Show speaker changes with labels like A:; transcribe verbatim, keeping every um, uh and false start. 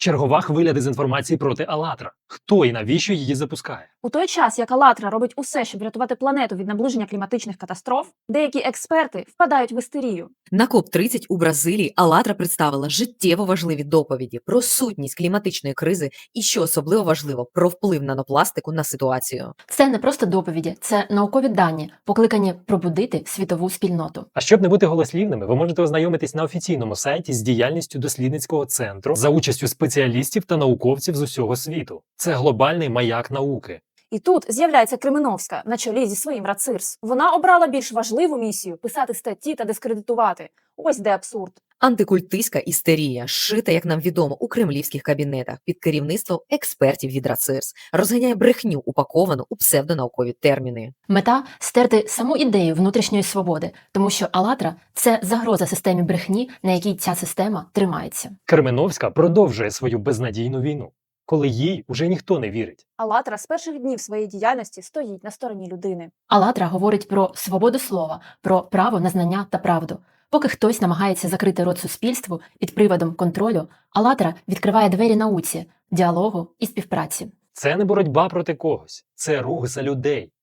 A: Чергова хвиля дезінформації проти «АЛЛАТРА». Хто і навіщо її запускає?
B: У той час, як «АЛЛАТРА» робить усе, щоб врятувати планету від наближення кліматичних катастроф, деякі експерти впадають в істерію.
C: На коп тридцять у Бразилії «АЛЛАТРА» представила життєво важливі доповіді про сутність кліматичної кризи і, що особливо важливо, про вплив нанопластику на ситуацію.
D: Це не просто доповіді, це наукові дані, покликані пробудити світову спільноту.
A: А щоб не бути голослівними, ви можете ознайомитись на офіційному сайті з діяльністю дослідницького центру за участю спеціалістів та науковців з усього світу. Це глобальний маяк науки.
B: І тут з'являється Кременовська на чолі зі своїм РАЦИРС. Вона обрала більш важливу місію – писати статті та дискредитувати. Ось де абсурд.
C: Антикультистська істерія, шита, як нам відомо, у кремлівських кабінетах під керівництвом експертів від РАЦИРС, розганяє брехню, упаковану у псевдонаукові терміни.
D: Мета – стерти саму ідею внутрішньої свободи, тому що «АЛЛАТРА» – це загроза системі брехні, на якій ця система тримається.
A: Кременовська продовжує свою безнадійну війну, коли їй уже ніхто не вірить.
B: «АЛЛАТРА» з перших днів своєї діяльності стоїть на стороні людини.
D: «АЛЛАТРА» говорить про свободу слова, про право на знання та правду. Поки хтось намагається закрити рот суспільству під приводом контролю, «АЛЛАТРА» відкриває двері науці, діалогу і співпраці.
A: Це не боротьба проти когось, це рух за людей.